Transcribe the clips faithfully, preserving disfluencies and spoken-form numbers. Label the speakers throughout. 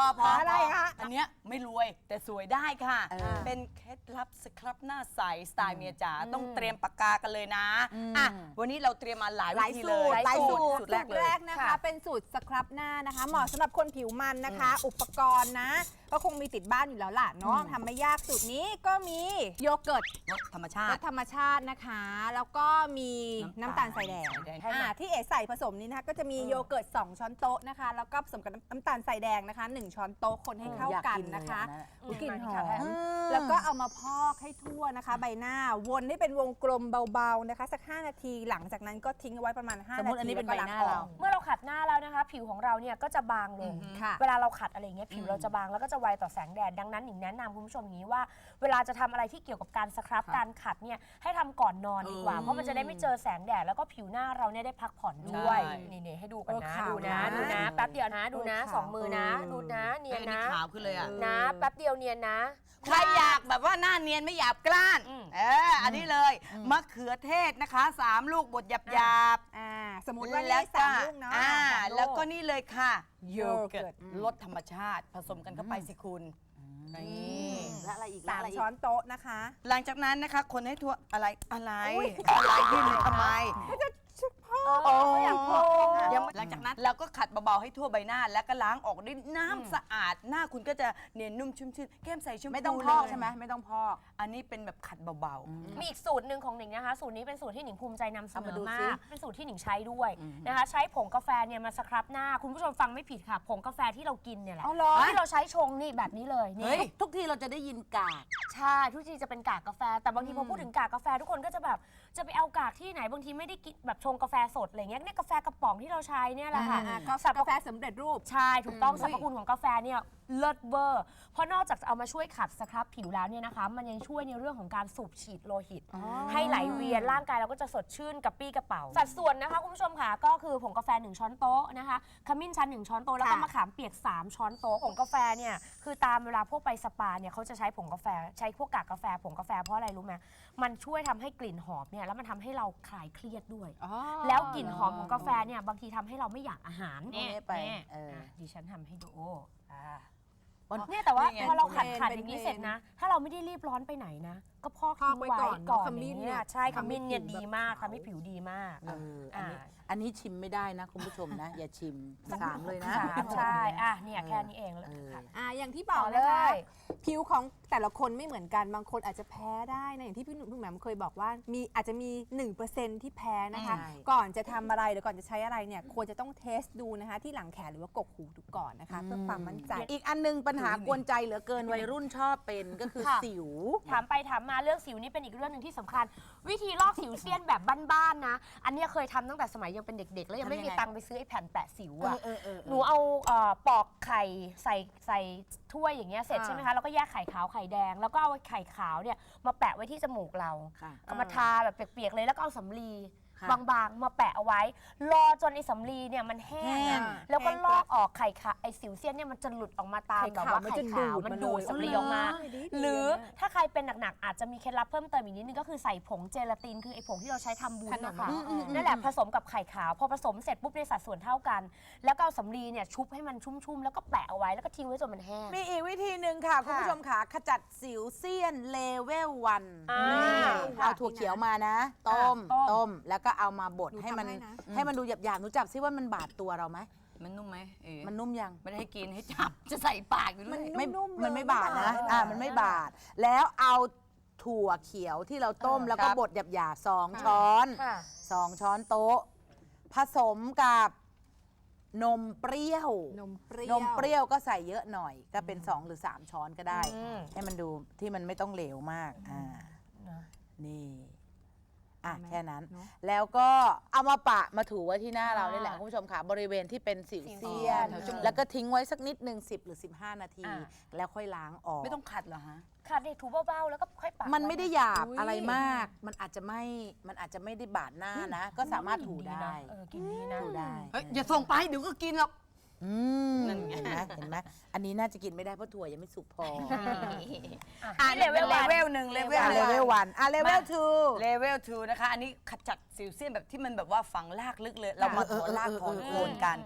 Speaker 1: พอ
Speaker 2: อะไรคะ
Speaker 1: อันเนี้ยไม่รวยแต่สวยได้ค่ะ เป็นเคล็ดลับสครับหน้าใสสไตล์เมียจ๋าต้องเตรียมปากกากันเลยนะอ่ะวันนี้เราเตรียมมาหลาย
Speaker 2: ห
Speaker 1: วิ
Speaker 2: ลาย
Speaker 1: ธี
Speaker 2: สู
Speaker 1: เล
Speaker 2: ต
Speaker 1: ย
Speaker 2: รหลายสูตร
Speaker 1: สูตรแรกเลย
Speaker 2: แรกนะคะเป็นสูตรสครับหน้านะคะเหมาะสำหรับคนผิวมันนะคะ อุปกรณ์นะ ก็คงมีติดบ้านอยู่แล้วล่ะเนาะทำไม่ยากสูตรนี้ก็มีโยเกิร์ต
Speaker 1: รสธรรมชาร ติ
Speaker 2: สธรรมชาตินะคะ แล้วก็มีน้ำตาลทรายแดง
Speaker 1: น้ำตาลทรายแดง
Speaker 2: อ่าที่เอ๋ใส่ผสมนี้นะคะก็จะมีโยเกิร์ตสองช้อนโต๊ะนะคะแล้วก็ผสมกับน้ำตาลทรายแดงนะคะหนึ่งช้อนโต๊ะคนให้เข้ากันนะคะอุ๊ยกลิ่นหอมแล้วก็เอามาพอกให้ทั่วนะคะ ใบหน้าวนให้เป็นวงกลมเบาๆนะคะสักห้านาทีหลังจากนั้นก็ทิ้งเอาไว้ประมาณห้า
Speaker 3: สม
Speaker 2: นา
Speaker 3: มุติอัน
Speaker 2: ที
Speaker 3: นี้เป็น
Speaker 2: แล้วก็
Speaker 3: ใบ
Speaker 2: ล้าง
Speaker 3: หน้า
Speaker 2: ออ
Speaker 3: เรา
Speaker 2: ก
Speaker 4: เมื่อเราขัดหน้าแล้วนะคะ ผิวของเราเนี่ยก็จะบางลง
Speaker 2: ค่ะ
Speaker 4: เวลาเราขัดอะไรอย่างเงี้ยผิวเราจะบางแล้วก็จะไวต่อแสงแดดดังนั้นหนิงแนะนำคุณผู้ชมอย่างนี้ว่า เวลาจะทำอะไรที่เกี่ยวกับการสครับการขัดเนี่ยให้ทำก่อนนอนดีกว่า เพราะมันจะได้ไม่เจอแสงแดดแล้วก็ผิวหน้าเราเนี่ยได้พักผ่อนด้วย
Speaker 1: ใช่
Speaker 4: นี่ๆให้ดูกัน
Speaker 2: เออ
Speaker 4: นะ
Speaker 2: ขาว
Speaker 4: ดูนะ
Speaker 2: นะ
Speaker 4: ดูนะแป๊บเดียวนะดูนะ
Speaker 2: เออขาว
Speaker 4: สองมือนะดูนะเนียน
Speaker 1: อันนี้
Speaker 4: นะ
Speaker 1: ขาวขึ้นเลยอ่ะ
Speaker 4: นะแป๊บเดียวเนียนนะ
Speaker 1: ใครอยากแบบว่าหน้าเนียนไม่หยาบกร้าน
Speaker 4: อืม
Speaker 1: เอออันนี้เลยมะเขือเทศนะคะสามลูกบดหยาบหยาบ
Speaker 2: อ่าสมมติว่า
Speaker 1: แล้
Speaker 2: นี่
Speaker 1: ว
Speaker 2: สามลูกเนาะ
Speaker 1: อ่า
Speaker 2: สามลูก
Speaker 1: แล้วก็นี่เลยค่ะโย
Speaker 2: โยเกิ
Speaker 1: เกิ
Speaker 2: ร์
Speaker 1: ร์
Speaker 2: ต
Speaker 1: ตรสธรรมชาติผสมกันเข้าไปสิคุณนี่
Speaker 3: และอะไรอีก
Speaker 2: สาม
Speaker 3: และอะไรอีก
Speaker 2: ช้อนโต๊ะนะคะ
Speaker 1: หลังจากนั้นนะคะคนให้ทั่วอะไรอะไร
Speaker 2: อุ๊ย
Speaker 1: อะไรยื่นเลยทำไม
Speaker 2: โอ้ยอยากโพ
Speaker 1: ยังไม่หลังจากนั้นเราก็ขัดเบาๆให้ทั่วใบหน้า แล้วก็ล้างออกด้วยน้ำสะอาดหน้าคุณก็จะเนียนนุ่มชุ่มชื่นแก้มใสชุ่ม
Speaker 3: ไม่ต้องพอกใช่ไหมไม่ต้องพอก
Speaker 1: อันนี้เป็นแบบขัดเบา
Speaker 4: มีอีกสูตรหนึ่งของหนิงนะคะ สูตรนี้เป็นสูตรที่หนิงภูมิใจนำเสน
Speaker 3: เอามา
Speaker 4: อ
Speaker 3: ดู
Speaker 4: มา
Speaker 3: สิ
Speaker 4: ก เป็นสูตรที่หนิงใช้ด้วยนะคะ ใช้ผงกาแฟเนี่ยมาสครับหน้า คุณผู้ชมฟังไม่ผิดค่ะ ผงกาแฟที่เรากินเนี่ยแหละ
Speaker 2: เอาเหรอ
Speaker 4: ที่เราใช้ชงนี่แบบนี้เลย
Speaker 1: ๆ
Speaker 4: นี่
Speaker 1: เฮ้ย
Speaker 3: ทุกทีเราจะได้ยินกาก
Speaker 4: ใช่ทุกทีจะเป็นกากกาแฟ แต่บางทีพอพูดถึงกากกาแฟทุกคนก็จะแบบจะไปเอากากที่ไหนบางทีไม่ได้กินแบบชงกาแฟสดอะไรเงี้ยเนี่ยกาแฟกระป๋องที่เราใช้เนี่ยแหละค่ะ
Speaker 2: อ่าก็
Speaker 4: สรรพ
Speaker 2: กาแฟสำเร็จรูป
Speaker 4: ใช่ถูกต้องสรรพคุณของกาแฟเนี่ยเลิศเวอร์เพราะนอกจากจะเอามาช่วยขัดสครับผิวแล้วเนี่ยนะคะ มันยังช่วยในเรื่องของการสูบฉีดโลหิต ให้ไหลเวียนร่างกายเราก็จะสดชื่นกระปี้กระเป๋า สัดส่วนนะคะคุณผู้ชมค่ะก็คือผงกาแฟหนึ่งช้อนโต๊ะนะคะขมิ้นชันหนึ่งช้อนโต๊ะแล้วก็
Speaker 2: ค่ะ
Speaker 4: มะขามเปียกสามช้อนโต๊ะผงกาแฟเนี่ยคือตามเวลาพวกไปสปาเนี่ยเขาจะใช้ผงกาแฟใช้พวกกากกาแฟผงกาแฟเพราะอะไรรู้ไหมมันช่วยทำให้กลิ่นหอมเนี่ยแล้วมันทำให้เราคลายเครียดด้วย
Speaker 2: อ๋อ
Speaker 4: แล้วกลิ่นหอมของกาแฟเนี่ยบางทีทำให้เราไม่อยากอาหาร
Speaker 3: เอาไว้ไป
Speaker 4: นี่
Speaker 3: เอออ่
Speaker 4: ะดิฉันทำให้ดูอ่า
Speaker 3: วัน
Speaker 4: เนี่ยแต่ว่า
Speaker 1: นี่ไง
Speaker 4: พอเราขัด
Speaker 2: เป็น
Speaker 4: ขัด
Speaker 2: เป็น
Speaker 4: อย่างนี้
Speaker 2: เพลน
Speaker 4: เสร็จนะ ถ้าเราไม่ได้รีบร้อนไปไหนนะ ก็พอก
Speaker 2: พอก
Speaker 4: ทิ้ง
Speaker 2: ไว้
Speaker 4: ไว้
Speaker 2: ก่
Speaker 4: ก่
Speaker 2: อ
Speaker 4: อน น
Speaker 2: เนอะขมิ้น
Speaker 4: เนี่
Speaker 2: เนี่ย ย
Speaker 4: ใช่ข
Speaker 2: ทำให้
Speaker 4: มิ้นเนี่ย
Speaker 2: ผิว
Speaker 4: ดี
Speaker 2: แบบ
Speaker 4: มาก
Speaker 2: ขาว
Speaker 4: ทำให้ผิวดีมาก
Speaker 3: เอออันนี้
Speaker 4: อ่า
Speaker 3: อันนี้ชิมไม่ได้นะคุณผู้ชมนะ อย่าชิมสามเลยนะ
Speaker 4: สามใช่อ่ะเนี่ยแค่นี้เองเลย
Speaker 3: เออ
Speaker 4: ค่ะ
Speaker 2: อ่าอย่างที่บอก
Speaker 4: ต่อเล
Speaker 2: นะคะ
Speaker 4: ย
Speaker 2: ผิวของแต่ละคนไม่เหมือนกันบางคนอาจจะแพ้ได้นะอย่างที่พี่หนุ่มพี่แหม่มเคยบอกว่ามีอาจจะมี หนึ่งเปอร์เซ็นต์ ที่แพ้นะคะ
Speaker 3: ใช่
Speaker 2: ก่อนจะทำอะไรหรือก่อนจะใช้อะไรเนี่ยควรจะต้องเทสดูนะคะที่หลังแขนหรือว่ากกหูดูก่อนนะคะเพื่อความมั่นใจ
Speaker 3: อีกอันนึงปัญหากวนใจเหลือเกินวัยรุ่นชอบเป็นก็คือ
Speaker 4: ค่ะ
Speaker 3: สิว
Speaker 4: ถามไปถามมาเรื่องสิวนี่เป็นอีกเรื่องหนึ่งที่สำคัญ วิธีลอกสิวเซียนแบบบ้านๆนะ อันเนี้ยเคยทำตั้งแต่สมัยยังเป็นเด็กๆ แล้วยังไม่
Speaker 3: ทำยัง
Speaker 4: มี
Speaker 3: ไง
Speaker 4: ตังค์ไปซื้อไอ้แผ่นแปะสิวอะ
Speaker 3: เออเออเออ
Speaker 4: หนูเอาเอ่อปอกไข่ใส่ใส่ถ้วยอย่างเงี้ยเสร็จ
Speaker 2: อ่า
Speaker 4: ใช่ไหมคะแล้วก็แยกไข่ขาวไข่แดง แล้วก็เอาไข่ขาวเนี่ยมาแปะไว้ที่จมูกเรา
Speaker 3: ค่ะ
Speaker 4: เอามาทาแบบเปียกๆเลยแล้วก็เอาสำลี
Speaker 3: ค่ะ
Speaker 4: บางๆ มาแปะเอาไว้ รอจนไอ้สำลีเนี่ยมันแห้ง
Speaker 3: แห้ง
Speaker 4: อะแล้วก็ลอกออกไข่ขาวไอ้สิวเซียนเนี่ยมันจะหลุดออกมาตาม
Speaker 2: ไข่
Speaker 4: แบบ
Speaker 2: ขาว
Speaker 4: ว่า
Speaker 2: มัน
Speaker 4: ไข่
Speaker 2: จะ
Speaker 4: ขาว
Speaker 2: ดูด
Speaker 4: มัน
Speaker 2: มา
Speaker 4: ดูด
Speaker 2: เลย
Speaker 4: สำลีออกมา
Speaker 2: เออดีๆ
Speaker 4: หรือ
Speaker 2: นะ
Speaker 4: ถ้าใครเป็นหนักๆอาจจะมีเคล็ดลับเพิ่มเติมอีกนิดนึงก็คือใส่ผงเจลาตินคือไอ้ผงที่เราใช้ทำบุญนะคะ
Speaker 2: อืมอืมอืม
Speaker 4: นั่นแหละผสมกับไข่ขาวพอผสมเสร็จปุ๊บในสัดส่วนเท่ากัน แล้วก็เอาสำลีเนี่ยชุบให้มันชุ่มๆแล้วก็แปะเอาไว้แล้วก็ทิ้งไว้จนมันแห้ง
Speaker 3: มีอีกวิธีหนึ่งค่ะ คุณผู้ชมค่ะขจัดสิวเซียนเลเวลวัน
Speaker 4: อ่า
Speaker 3: เอาถั่วเขียวมานะ ต้ม
Speaker 4: ต้ม
Speaker 3: ต้มแล้วก็เอามาบด
Speaker 2: หนู
Speaker 3: ให้มัน
Speaker 2: ทำให้นะ
Speaker 3: ให้มันดูหยาบๆหนูจับซิว่ามันบาดตัวเราไหม
Speaker 1: มันนุ่มไหมเอ๋
Speaker 3: มันนุ่มยัง
Speaker 1: ไม่ได้ให้กินให้จับ จะใส่ปากอยู่เลย
Speaker 3: ไม่
Speaker 2: นุ่มๆเลย
Speaker 3: มันไม่บาดนะ
Speaker 2: ไม่บาด
Speaker 3: อ่ามันไม่บาด แล้วเอาถั่วเขียวที่เราต้มแล้วก็
Speaker 1: ครับ
Speaker 3: บดหยาบๆสองช้อน
Speaker 4: ค่ะ
Speaker 3: สองช้อนโต๊ะ ผสมกับนมเปรี้ยว
Speaker 2: นมเปรี้ย
Speaker 3: น
Speaker 2: ว
Speaker 3: มเปรี้ยวก็ใส่เยอะหน่อย ก็เป็นสองหรือสามช้อนก็ได้
Speaker 4: อืม
Speaker 3: ให้มันดูที่มันไม่ต้องเหลวมากอ่า
Speaker 4: นะ
Speaker 3: นี่อ่ะ
Speaker 2: เห็นไหม
Speaker 3: แค่นั้น
Speaker 2: เนอะ
Speaker 3: แล้วก็เอามาปะมาถูไว้ที่หน้าเรานี่แหละคุณผู้ชมค่ะบริเวณที่เป็นสิวเซียน
Speaker 1: แถวจมูก
Speaker 3: แล้วก็ทิ้งไว้สักนิดหนึ่งสิบหรือสิบห้านาที
Speaker 4: อ่า
Speaker 3: แล้วค่อยล้างออก
Speaker 1: ไม่ต้องขัดเหรอฮะ
Speaker 4: ค่ะเด็กถูเบาๆแล้วก็ค่อยปะ
Speaker 3: มันไม่ได้หยาบ
Speaker 2: อุ๊ย
Speaker 3: อะไรมาก มันอาจจะไม่ มันอาจจะไม่ได้บาดหน้านะ ก็สามารถถูได้
Speaker 4: เออกินดีนะ
Speaker 3: ถูได้
Speaker 1: เฮ้ยอย่าส่งไปเดี๋ยวก็กินหรอก
Speaker 3: อืม
Speaker 1: นั่นไง
Speaker 3: เห็นไหมเห็นไหมอันนี้น่าจะกินไม่ได้เพราะถั่วยังไม่สุกพอ
Speaker 1: อ่า
Speaker 4: นี่
Speaker 1: เล
Speaker 4: เล
Speaker 1: เว
Speaker 4: เว
Speaker 1: ล
Speaker 4: ล
Speaker 1: หนึ่งเลเวล
Speaker 3: อ่ะเลเวลวันอ่ะเลเวลทู
Speaker 1: เลเวลทูนะคะ อันนี้ขจัดสิวเซียนแบบที่มันแบบว่าฝังลากลึกเลย เรามาถอนลากถอนโคนกัน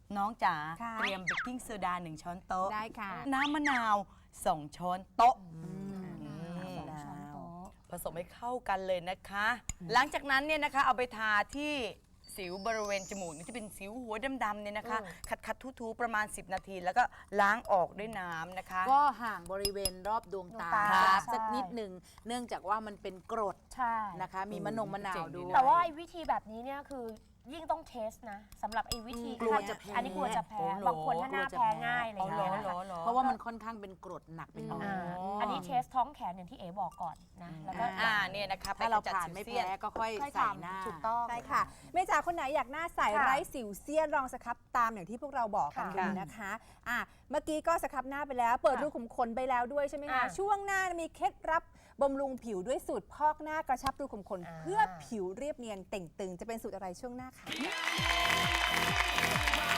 Speaker 1: น้องจ๋า
Speaker 2: ค่ะ
Speaker 1: เตรียมเบกกิ้งโซดาหนึ่งช้อนโต๊ะ
Speaker 2: ได้ค่ะ
Speaker 1: น้ำมะนาวสองช้อนโต๊ะ
Speaker 2: อืม
Speaker 1: ผสมให้เข้ากันเลยนะคะ หลังจากนั้นเนี่ยนะคะเอาไปทาที่สิวบริเวณจมูกนี่ที่เป็นสิวหัวดำๆเนี่ยนะคะ ขัดขัดๆทูๆประมาณ สิบ นาที แล้วก็ล้างออกด้วยน้ำนะคะ
Speaker 3: ก็ห่างบริเวณรอบดวงตา
Speaker 4: ดวงตา
Speaker 3: สัก
Speaker 4: ใช่
Speaker 3: สักนิดหนึ่งเนื่องจากว่ามันเป็นกรด
Speaker 4: ใช่
Speaker 3: นะคะ มีมะนงมะนาวด้วย
Speaker 4: แต่ว่าไอ้วิธีแบบนี้เนี่ยคือยิ่งต้องเทสนะสำหรับไอ้วิธี
Speaker 3: กลัวจะแพ้
Speaker 4: อันนี้กลัวจะแพ้
Speaker 1: โอ้โห
Speaker 4: บางคนถ้าหน้าแพ้ง่ายอะไรอย่างเงี้ย
Speaker 1: เอา
Speaker 4: นะ
Speaker 1: เหร
Speaker 4: คะ
Speaker 1: อเหรอ
Speaker 3: เพราะว่ามันค่อนข้างเป็นกรดหนักเป็นหน่อย
Speaker 4: อ่าอันนี้เทสท้องแขนอย่างที่เอ๋บอกก่อนนะแล้วก็
Speaker 1: อ่าเนี่ยนะคะ
Speaker 3: ถ้าเรา
Speaker 1: ไปกะจัด
Speaker 3: ผ่านไม่
Speaker 1: สิวเสี้ย
Speaker 3: แพ้
Speaker 1: น
Speaker 3: ก็ค่อย
Speaker 4: ค่อย
Speaker 3: ใส่
Speaker 4: ทำ
Speaker 3: หน้า
Speaker 4: ถูกต้อง
Speaker 2: ใช่ค่ะแม่จ๋าคนไหนอยากหน้าใส
Speaker 4: ค่ะ
Speaker 2: ไร้สิวเซียนลองสครับตามอย่างที่พวกเราบอกกัน
Speaker 4: ค่ะ
Speaker 2: ดูนะคะอ่ะเมื่อกี้ก็สครับหน้าไปแล้ว เปิด
Speaker 4: ค่ะ
Speaker 2: รูขุมขนไปแล้วด้วยใช่ไหมคะ
Speaker 4: อ่ะ
Speaker 2: ช่วงหน้ามีเคล็ดลับบำรุงผิวด้วยสูตรพอกหน้ากระชับรูขุมขน
Speaker 4: อ่า
Speaker 2: เพื่อผิวเรียบเนียนเต่งตึงจะเป็นสูตรอะไรช่วงหน้าค่ะ